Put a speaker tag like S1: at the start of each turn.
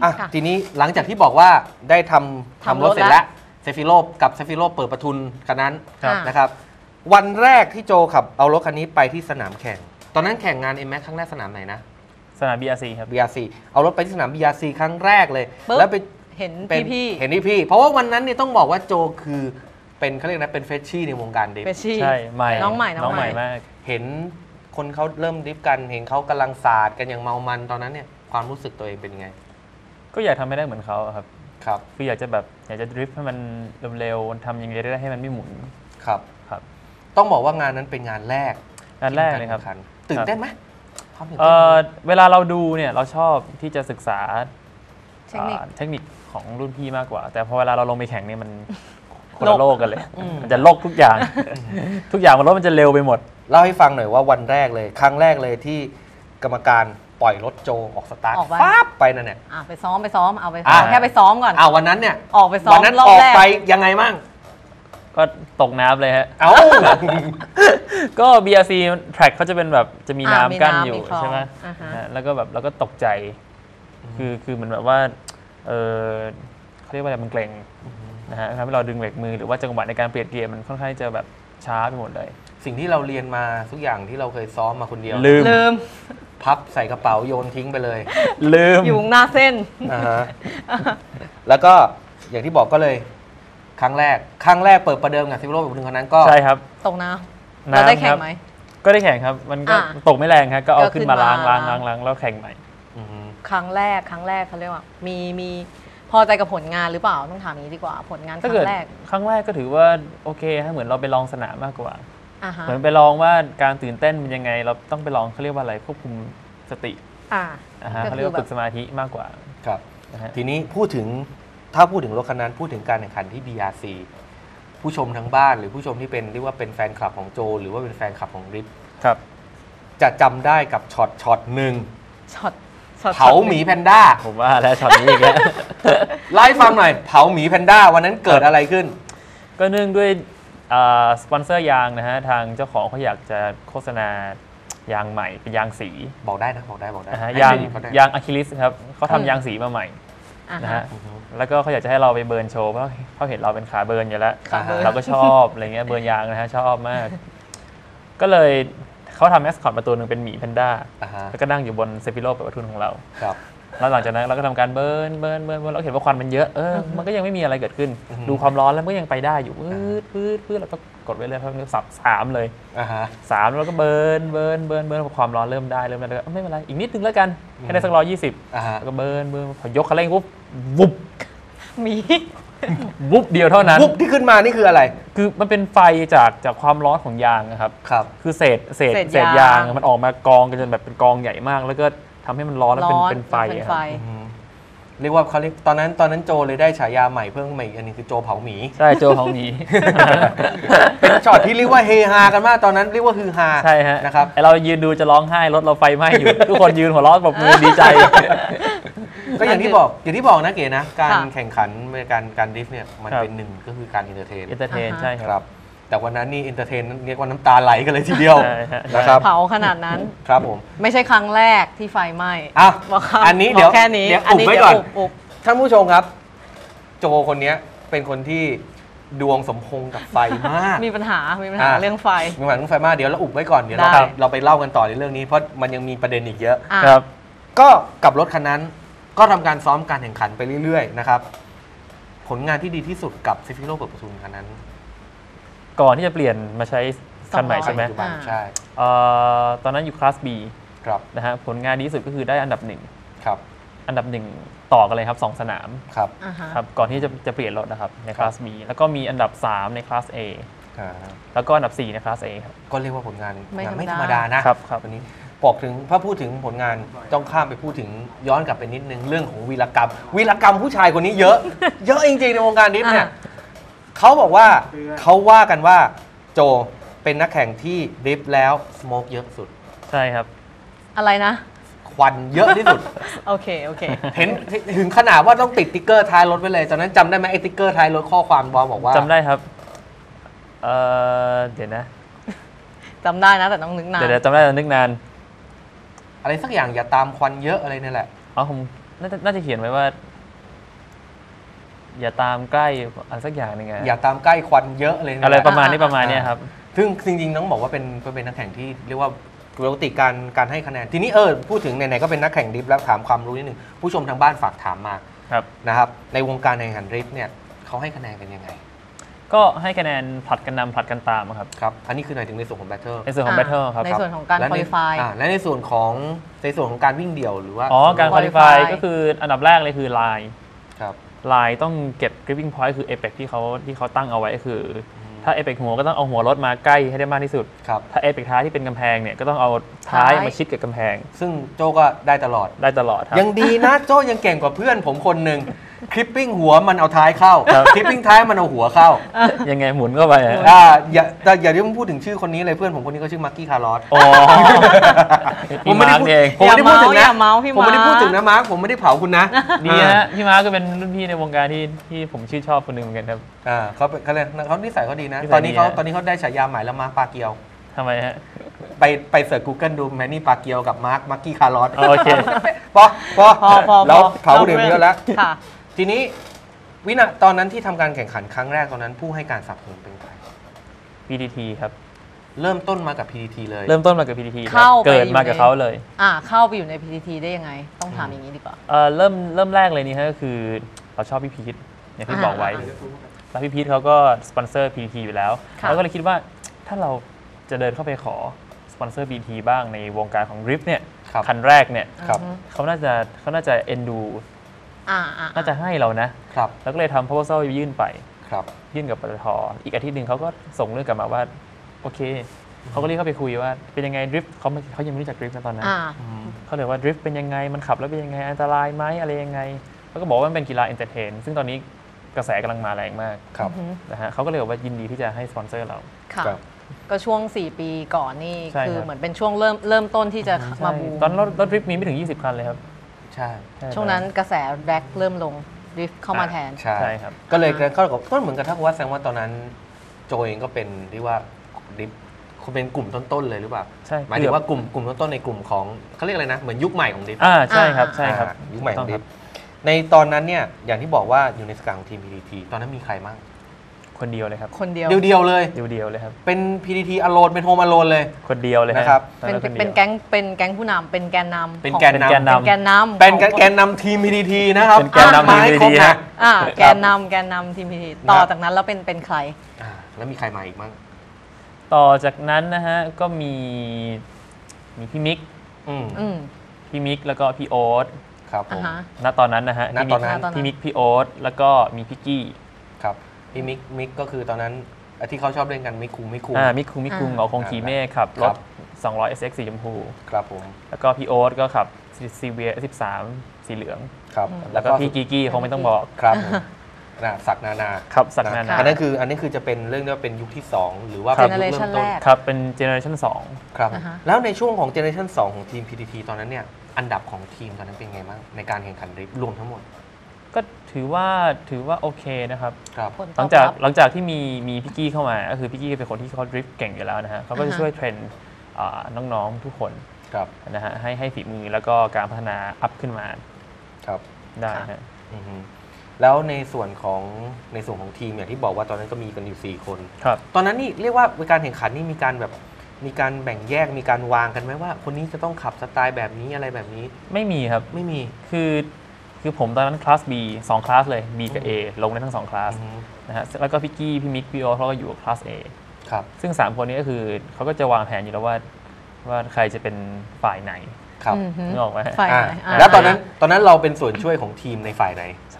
S1: ทีนี้หลังจากที่บอกว่าได้ทำรถเสร็จแล้วเซฟิโลกับเซฟิโลเปิดประทุนคันนั้นนะครับวันแรกที่โจขับเอารถคันนี้ไปที่สนามแข่งตอนนั้นแข่งงาน M-Max ครั้งแรกสนามไหนนะ
S2: สนาม BRC ครับ
S1: BRC เอารถไปที่สนาม BRC ครั้งแรกเลยแล้วไป
S3: เห็นพี่
S1: เพราะว่าวันนั้นเนี่ยต้องบอกว่าโจคือเป็นเขาเรียกนะเป็นเฟชชี่ในวงการดิฟ
S2: ใช่ใหม่
S3: น้องใหม่
S2: มาก
S1: เห็นคนเขาเริ่มดิฟกันเห็นเขากำลังศาสตร์กันอย่างเมามันตอนนั้นเนี่ยความรู้สึกตัวเองเป็นยังไง
S2: ก็อยากทำให้ได้เหมือนเขาครับ
S1: ครับ
S2: คืออยากจะดริฟต์ให้มันเร็วๆทำยังไงได้ให้มันไม่หมุน
S1: ครับต้องบอกว่างานนั้นเป็นงานแรก
S2: เลยครับ
S1: ตื่นเต้นไหม
S2: เวลาเราดูเนี่ยเราชอบที่จะศึกษาเทคนิคของรุ่นพี่มากกว่าแต่พอเวลาเราลงไปแข่งเนี่ยมันคนละโลกกันเลยมันจะโลกทุกอย่างมันรถมันจะเร็วไปหมด
S1: เล่าให้ฟังหน่อยว่าวันแรกเลยครั้งแรกเลยที่กรรมการปล่อยรถโจออกสตาร์ทปั๊บไปนั่นเนี่ย
S3: ไปซ้อมเอาไปแค่ไปซ้อมก่อน
S1: วันนั้นเนี่ย
S3: ออกไปซ้อม
S1: วันนั้นออกไปยังไงมั่ง
S2: ก็ตกน้ำเลยฮะก็ BRC track เขาจะเป็นแบบจะมีน้ำกั้นอยู่ใช่ไหมแล้วก็แบบเราก็ตกใจคือเหมือนแบบว่าเขาเรียกว่าอะไรมันเกร็งนะฮะทำให้เราดึงเบรกมือหรือว่าจังหวะในการเปลี่ยนเกียร์มันค่อนข้างจะแบบช้าไปหมดเลย
S1: สิ่งที่เราเรียนมาทุกอย่างที่เราเคยซ้อมมาคนเดียว
S3: ลืม
S1: พับใส่กระเป๋าโยนทิ้งไปเลย
S2: ลืม
S3: อยู่หน้าเส้น
S1: แล้วก็อย่างที่บอกก็เลยครั้งแรกเปิดประเดิมกับซิโร่แบบนึงคนนั้นก็
S2: ใช่ครับ
S3: ตกน้ำเราได้แข่งไหม
S2: ก็ได้แข่งครับมันก็ตกไม่แรงครับก็เอาขึ้นมาล้างแล้วแข่งใหม่
S3: ครั้งแรกเขาเรียกว่ามีพอใจกับผลงานหรือเปล่าต้องถามนี้ดีกว่าผลงานครั้งแร
S2: กก็ถือว่าโอเคฮะเหมือนเราไปลองสนามมากกว่าเหมือนไปลองว่าการตื่นเต้นเป็นยังไงเราต้องไปลองเขาเรียกว่าอะไรควบคุมสติเขาเรียกว่าฝึกสมาธิมากกว่า
S1: ครับทีนี้ถ้าพูดถึงรถคันนั้นพูดถึงการแข่งขันที่ BRC ผู้ชมทั้งบ้านหรือผู้ชมที่เป็นเรียกว่าเป็นแฟนคลับของโจหรือว่าเป็นแฟนคลับของริฟ
S2: ครับ
S1: จะจำได้กับช็อตหนึ่ง
S3: เ
S1: ผาหมีแพนด้า
S2: ผมว่าแล้วช็อตนี้อีกแล้ว
S1: ไล่ฟังหน่อยเผาหมีแพนด้าวันนั้นเกิดอะไรขึ้น
S2: ก็เนื่องด้วยสปอนเซอร์ยางนะฮะทางเจ้าของเขาอยากจะโฆษณายางใหม่เป็นยางสี
S1: บอกได้นะบอกได้
S2: ยางอะคริลิสครับเขาทำยางสีมาใหม่นะฮะแล้วก็เขาอยากจะให้เราไปเบิร์นโชว์เพราะเขาเห็นเราเป็นขาเบิร์นอยู่แล้วเราก็ชอบอะไรเงี้ยเบิร์นยางนะฮะชอบมากก็เลยเขาทำแมสคอตมาตัวหนึ่งเป็นหมีแพนด้าแล้วก็นั่งอยู่บนเซฟิโลเปิดประทุนของเราแล้วหลังจากนั้นเราก็ทำการเบิร์นเราเห็นว่าควันมันเยอะมันก็ยังไม่มีอะไรเกิดขึ้นดูความร้อนแล้วมันก็ยังไปได้อยู่พืดเราก็กดไว้เลยเพราะสับ3เลย3แล้วก็เบิร์นพอความร้อนเริ่มได้แล้วก็ไม่เป็นไรอีกนิดนึงแล้วกันให้ได้สัก120แล้วก็เบิร์นพอยกคันเร่งปุ๊บวุบ
S3: มี
S2: วุบเดียวเท่านั้น
S1: วุบที่ขึ้นมานี่คืออะไร
S2: คือมันเป็นไฟจากความร้อนของยางนะครับคือเศษยางมันออกมากองกันจนแบบเป็นกองใหญ่มากแล้วก็ทำให้มันร้อนแล้วเป็นไฟ
S1: เรียกว่าเขาเรียกตอนนั้นโจเลยได้ฉายาใหม่เพิ่มใหม่อันนี้คือโจเผาหมี
S2: ใช่โจเผาหมี
S1: เป็นช็อตที่เรียกว่าเฮฮากันมากตอนนั้นเรียกว่าฮือฮา
S2: ใช่ฮะ
S1: นะครับ
S2: เรายืนดูจะร้องไห้รถเราไฟไหม้อยู่ทุกคนยืนหัวเราะแบบมือดีใจ
S1: ก็อย่างที่บอกนะเก๋นะการแข่งขันการดริฟต์เนี่ยมันเป็นหนึ่งก็คือการเอนเตอร์เทน
S2: ใช่ครับ
S1: แต่วันนั้นนี่เอนเตอร์เทนเรียกว่าน้ำตาไหลกันเลยทีเดียวนะครับ
S3: เผาขนาดนั้น
S1: ครับผม
S3: ไม่ใช่ครั้งแรกที่ไฟไหม้
S1: อันนี้เดี๋ยว
S3: แค่นี้
S1: อุบไว้ก่อนท่านผู้ชมครับโจคนนี้เป็นคนที่ดวงสมพงษ์กับไฟมาก
S3: มีปัญหาเรื่องไฟ
S1: มากเดี๋ยวเราอุบไว้ก่อนเดี๋ยวเราไปเล่ากันต่อในเรื่องนี้เพราะมันยังมีประเด็นอีกเยอะ
S2: ครับ
S1: ก็กับรถคันนั้นก็ทำการซ้อมการแข่งขันไปเรื่อยๆนะครับผลงานที่ดีที่สุดกับเซฟิโลเปิดประทุนคันนั้น
S2: ก่อนที่จะเปลี่ยนมาใช้คันใหม่ใช่ไหม
S1: ใช่
S2: ตอนนั้นอยู่คลาส B นะฮะผลงานดีที่สุดก็คือได้อันดับ1
S1: ครับ
S2: อันดับ1ต่อกันเลยครับ2 สนาม
S1: ครับ
S2: ก่อนที่จะเปลี่ยนรถนะครับในคลาส B แล้วก็มีอันดับ3ในคลาส A แล้วก็อันดับ4ในคลาส A ครับ
S1: ก็เรียกว่าผลงานไม่ธรรมดานะครับวันนี้บอกถึงถ้าพูดถึงผลงานต้องข้ามไปพูดถึงย้อนกลับไปนิดนึงเรื่องของวีรกรรมผู้ชายคนนี้เยอะจริงๆในวงการดริฟต์เนี่ยเขาบอกว่าเขาว่ากันว่าโจเป็นนักแข่งที่ดริฟต์แล้วสโมกเยอะสุด
S2: ใช่ครับ
S3: อะไรนะ
S1: ควันเยอะที่สุด
S3: โอเค
S1: เห็นถึงขนาดว่าต้องติดติ๊กเกอร์ท้ายรถไว้เลยตอนนั้นจำได้ไหมไอ้ติ๊กเกอร์ท้ายรถข้อความบอกว่า
S2: จำได้ครับเดี๋ยวนะ
S3: จำได้นะแต่ต้องนึกนาน
S2: เดี๋ยวจำได้แต่นึกนาน
S1: อะไรสักอย่างอย่าตามควันเยอะอะไรนี่แหละ
S2: ผมน่าจะเขียนไว้ว่า อย่าตามใกล้อะไรสักอย่างหนึง
S1: อย่าตามใกล้ควันเยอะเลยนะ
S2: อะไรประมาณนี้ครับ
S1: ซึ่งจริงๆต้องบอกว่าเป็นนักแข่งที่เรียกว่าปกติการให้คะแนนทีนี้พูดถึงไหนๆก็เป็นนักแข่งดริฟต์แล้วถามความรู้นิดนึงผู้ชมทางบ้านฝากถามมานะครับในวงการแข่งขันดริฟต์เนี่ยเขาให้คะแนนกันยังไง
S2: ก็ให้คะแนนผลัดกันนำผลัดกันตามครับ
S1: อันนี้คือหมายถึงในส่วนของแบทเทิล
S2: ในส่วนของแบทเทิลครับ
S3: ในส่วนของการควอลิฟาย
S1: และในส่วนของการวิ่งเดี่ยวหรือว่า
S2: การควอลิฟายก็คืออันดับแรกเลยคือไลน์ต้องเก็บ gripping point คือ apex ที่เขาตั้งเอาไว้คือถ้า apex หัวก็ต้องเอาหัวรถมาใกล้ให้ได้มากที่สุดถ้า apex ท้ายที่เป็นกำแพงเนี่ยก็ต้องเอาท้ายมาชิดกับกำแพง
S1: ซึ่งโจก็ได้ตลอด
S2: ครับ
S1: ยังดีนะโจยังเก่งกว่าเพื่อนผมคนหนึ่งคลิปปิ้งหัวมันเอาท้ายเข้าคลิปปิ้งท้ายมันเอาหัวเข้า
S2: ยังไงหมุนเข้าไป
S1: อย่าพูดถึงชื่อคนนี้เลยเพื่อนผมคนนี้ก็ชื่อมาร์กี้คาร์ลอส
S2: ผมไม่ได้พูด
S1: ถึงนะผมไม่ได้พูดถึงนะมาร์คผมไม่ได้เผาคุณนะ
S2: ดีฮะพี่มาร์คก็เป็นรุ่นพี่ในวงการที่ผมชื่นชอบคนหนึ่งเหมือนกันครับ
S1: เขานิสัยเขาดีนะตอนนี้เขาได้ฉายาใหม่แล้วมาร์คปาเกียว
S2: ทำไมฮะ
S1: ไปเสิร์ช Google ดูแมนนี่ปาเกียวกับมาร์คกี้คาร์ลอส
S2: โอเค
S1: พอแล้วเผาเดือดเยอะแล้วทีนี้ตอนนั้นที่ทำการแข่งขันครั้งแรกตอนนั้นผู้ให้การสนับสนุนเป็นใคร
S2: PTT ครับ
S1: เริ่มต้นมากับ PTT เลย
S2: เริ่มต้นมากับ PTT เกิดมากับเขาเลย
S3: เข้าไปอยู่ใน PTT ได้ยังไงต้องถามอย่างนี้ดีกว่า
S2: เริ่มแรกเลยนี่ฮะก็คือเราชอบพี่พีทอย่างที่บอกไว้แล้วพี่พีทเขาก็สปอนเซอร์ PTT อยู่แล้วเราก็เลยคิดว่าถ้าเราจะเดินเข้าไปขอสปอนเซอร์ PTT บ้างในวงการของ Drift เนี่ยคันแรกเนี่ยเขาน่าจะเอ็นดูน่าจะให้เรานะแล้วก็เลยทำ proposal ยื่นไปยื่นกับปตท.อีกอาทิตย์หนึ่งเขาก็ส่งเรื่องกลับมาว่าโอเคเขาก็เรียกเข้าไปคุยว่าเป็นยังไงดริฟต์เขายังไม่รู้จักดริฟต์นะตอนนั้นเขาเลยว่าดริฟต์เป็นยังไงมันขับแล้วเป็นยังไงอันตรายไหมอะไรยังไงเขาก็บอกว่ามันเป็นกีฬาเอนเตอร์เทนซึ่งตอนนี้กระแสกำลังมาแรงมากนะฮะเขาก็เลยบอกว่ายินดีที่จะให้สปอนเซอร์เรา
S3: ก็ช่วง4 ปีก่อนนี่คือเหมือนเป็นช่วงเริ่มต้นที่จะมาบูม
S2: ตอนรถดริฟต์มีไม่ถึง20 คันเลยครับ
S1: ใช่
S3: ช่วงนั้นกระแสแร็กเริ่มลงดริฟต์เข้ามาแทน
S1: ใช่ครับก็เลยก็เหมือนกับถ้าว่าแสดงว่าตอนนั้นโจเองก็เป็นที่ว่าดริฟต์เป็นกลุ่มต้นๆเลยหรือเปล่า
S2: ใช่
S1: หมายถึงว่ากลุ่มต้นๆในกลุ่มของเขาเรียกอะไรนะเหมือนยุคใหม่ของดริฟต์
S2: ใช่ครับ
S1: ยุคใหม่ของดริฟต์ในตอนนั้นเนี่ยอย่างที่บอกว่าอยู่ในสกัดของทีม PTT ตอนนั้นมีใครบ้าง
S2: คนเดียวเลยครับ
S3: คนเดียว
S1: เลย
S2: ครับ
S1: เป็น PTT alone เป็นโฮม alone เลย
S2: คนเดียวเลย
S1: นะครับ
S3: เป็นแก๊งผู้นำเป็นแกนนำ
S1: เป็นแกนนำทีม PTT นะครับ
S2: เป็นแกนนำทีม PTT
S3: แกนนำทีม PTT ต่อจากนั้นแล้วเป็นใคร
S1: แล้วมีใครมาอีกบ้าง
S2: ต่อจากนั้นนะฮะก็มีพี่มิกแล้วก็พี่โอ๊ต
S1: ครับผม
S2: ณตอนนั้นนะฮะพี่มิกพี่โอ๊ตแล้วก็มีพี่กี้
S1: ครับพี่มิกก็คือตอนนั้นที่เขาชอบเล่นกันมิกคุง
S2: มิกคุงเหงาคงขี่เมฆขับรถ200 SX สีชมพู
S1: ครับผม
S2: แล้วก็พี่โอ๊ตก็ขับ CVR 13สีเหลือง
S1: ครับ
S2: แล้วก็พี่กี้คงไม่ต้องบอก
S1: ครับศักนานา
S2: ครับศักนานา
S1: อันนั้นคือจะเป็นเรื่องที่ว่าเป็นยุคที่2หรือว่า
S3: เป็นยุคเริ่มต้น
S2: ครับเป็นเจเนอเรชั่น2
S1: ครับแล้วในช่วงของเจเนอเรชั่น2ของทีม PTT ตอนนั้นเนี่ยอันดับของทีมตอนนั้นเป็นไงบ้างในการแข่งขันดริฟต์รวมทั้งหมด
S2: ก็ถือว่าโอเคนะครับหลังจากที่มีพี่กี้เข้ามาก็คือพี่กี้เป็นคนที่เขาดริฟต์เก่งอยู่แล้วนะฮะเขาก็จะช่วยเทรนน้องๆทุกคนนะฮะให้ฝีมือแล้วก็การพัฒนาอัพขึ้นมาได้ฮะ
S1: แล้วในส่วนของทีมอย่างที่บอกว่าตอนนั้นก็มีกันอยู่4 คนตอนนั้นนี่เรียกว่าการแข่งขันนี่มีการแบ่งแยกมีการวางกันไหมว่าคนนี้จะต้องขับสไตล์แบบนี้อะไรแบบนี้
S2: ไม่มีครับ
S1: ไม่มี
S2: คือผมตอนนั้นคลาส B 2 คลาสเลย B กับ A ลงได้ทั้ง2 คลาสนะฮะแล้วก็พี่กี้พี่มิกพี่โอ๊ตเขาก็อยู่คลาส A
S1: ครับ
S2: ซึ่ง3 คนนี้ก็คือเขาก็จะวางแผนอยู่แล้วว่าใครจะเป็นฝ่ายไหน
S1: ครับ
S2: นึกออกไหม
S3: ฝ่ายไหน
S1: แล้วตอนนั้นเราเป็นส่วนช่วยของทีมในฝ่ายไหน